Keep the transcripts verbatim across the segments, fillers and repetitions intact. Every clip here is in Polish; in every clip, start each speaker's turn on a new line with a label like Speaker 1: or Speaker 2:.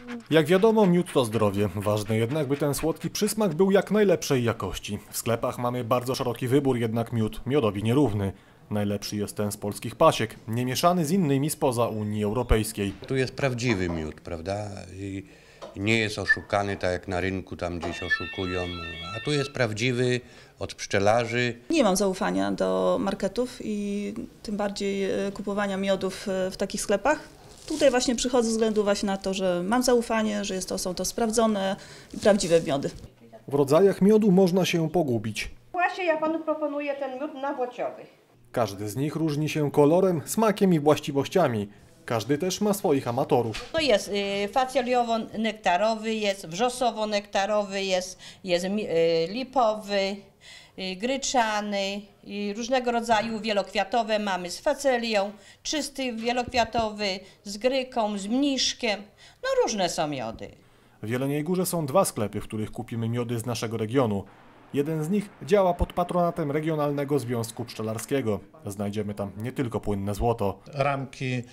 Speaker 1: Jak wiadomo, miód to zdrowie. Ważne jednak, by ten słodki przysmak był jak najlepszej jakości. W sklepach mamy bardzo szeroki wybór, jednak miód miodowi nierówny. Najlepszy jest ten z polskich pasiek, nie mieszany z innymi spoza Unii Europejskiej.
Speaker 2: Tu jest prawdziwy miód, prawda? I nie jest oszukany tak jak na rynku, tam gdzieś oszukują. A tu jest prawdziwy, od pszczelarzy.
Speaker 3: Nie mam zaufania do marketów i tym bardziej kupowania miodów w takich sklepach. Tutaj właśnie przychodzę ze względu właśnie na to, że mam zaufanie, że jest to, są to sprawdzone i prawdziwe miody.
Speaker 1: W rodzajach miodu można się pogubić.
Speaker 4: Właśnie ja panu proponuję ten miód nawłociowy.
Speaker 1: Każdy z nich różni się kolorem, smakiem i właściwościami. Każdy też ma swoich amatorów.
Speaker 5: To jest y, facjoliowo-nektarowy, jest wrzosowo-nektarowy, jest, jest y, lipowy, y, gryczany, y, różnego rodzaju wielokwiatowe mamy z facelią, czysty wielokwiatowy, z gryką, z mniszkiem, no różne są miody.
Speaker 1: W Jeleniej Górze są dwa sklepy, w których kupimy miody z naszego regionu. Jeden z nich działa pod patronatem Regionalnego Związku Pszczelarskiego. Znajdziemy tam nie tylko płynne złoto.
Speaker 6: Ramki, yy,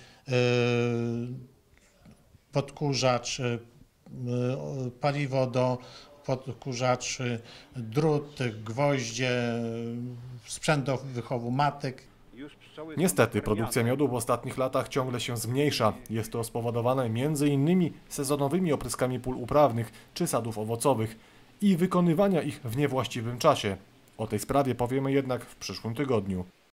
Speaker 6: podkurzacz, yy, paliwo do podkurzaczy, drut, gwoździe, sprzęt do wychowu matek.
Speaker 1: Niestety produkcja miodu w ostatnich latach ciągle się zmniejsza. Jest to spowodowane między innymi sezonowymi opryskami pól uprawnych czy sadów owocowych i wykonywania ich w niewłaściwym czasie. O tej sprawie powiemy jednak w przyszłym tygodniu.